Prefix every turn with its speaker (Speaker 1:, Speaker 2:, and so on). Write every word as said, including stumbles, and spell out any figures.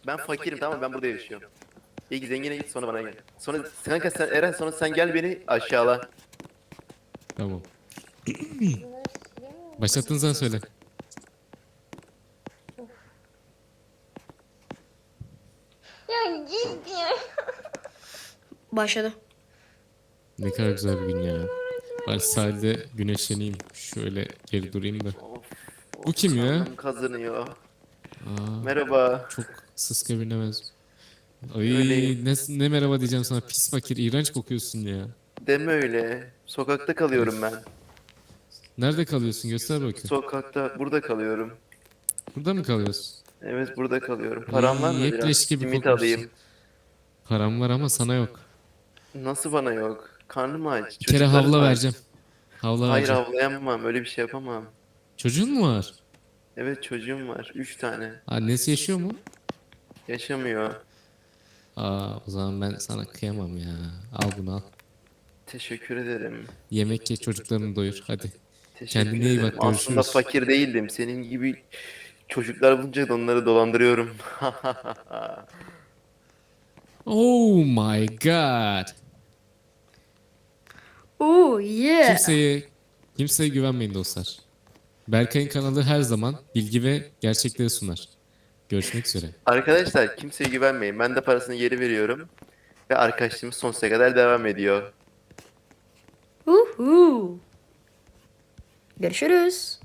Speaker 1: Ben fakirim, tamam mı? Ben burada yaşıyorum. İlk zengine git, sonra bana gel. Sonra kanka sen Eren, sonra sen gel beni aşağıla.
Speaker 2: Tamam. Başlattın sen söyle.
Speaker 3: Ya git ya.
Speaker 4: Başladı.
Speaker 2: Ne kadar güzel bir gün ya. Ben sahilde güneşleneyim. Şöyle geri durayım da.
Speaker 1: Of,
Speaker 2: Bu
Speaker 1: of,
Speaker 2: kim ya?
Speaker 1: karnım kazınıyor.
Speaker 2: Aa,
Speaker 1: Merhaba.
Speaker 2: çok sıska birine benziyor. Ay
Speaker 1: Öyleyim.
Speaker 2: ne, ne merhaba diyeceğim sana. Pis fakir, iğrenç kokuyorsun ya.
Speaker 1: Deme öyle. Sokakta kalıyorum ben.
Speaker 2: Nerede kalıyorsun? Göster bakayım.
Speaker 1: Sokakta, burada kalıyorum.
Speaker 2: Burada mı kalıyorsun?
Speaker 1: Evet, burada kalıyorum. Param var
Speaker 2: Ay,
Speaker 1: mı
Speaker 2: hep
Speaker 1: biraz?
Speaker 2: leş gibi
Speaker 1: Simit
Speaker 2: kokmuşsun.
Speaker 1: alayım.
Speaker 2: Param var ama sana yok.
Speaker 1: Nasıl bana yok? Karnım aç.
Speaker 2: Bir kere
Speaker 1: Çocuklarım
Speaker 2: havla
Speaker 1: var.
Speaker 2: vereceğim. Havla
Speaker 1: Hayır,
Speaker 2: vereceğim.
Speaker 1: avlayamam. Öyle bir şey yapamam.
Speaker 2: Çocuğun mu var?
Speaker 1: Evet, çocuğum var. Üç tane.
Speaker 2: Annesi yaşıyor mu?
Speaker 1: Yaşamıyor.
Speaker 2: Aa, o zaman ben sana kıyamam ya. Al bunu al.
Speaker 1: Teşekkür ederim.
Speaker 2: Yemek ye, çocuklarını doyur. Hadi.
Speaker 1: Teşekkür
Speaker 2: Kendine iyi
Speaker 1: ederim.
Speaker 2: bak,
Speaker 1: Aslında
Speaker 2: görüşürüz.
Speaker 1: fakir değildim. Senin gibi çocuklar bulunca da onları dolandırıyorum.
Speaker 2: Oh my god.
Speaker 4: Oo yeah.
Speaker 2: Kimseye kimseye güvenmeyin dostlar. Berkay'ın kanalı her zaman bilgi ve gerçekleri sunar. Görüşmek üzere.
Speaker 1: Arkadaşlar, kimseye güvenmeyin. Ben de parasını geri veriyorum. Ve arkadaşlığımız sonsuza kadar devam ediyor.
Speaker 4: Uhu. Görüşürüz.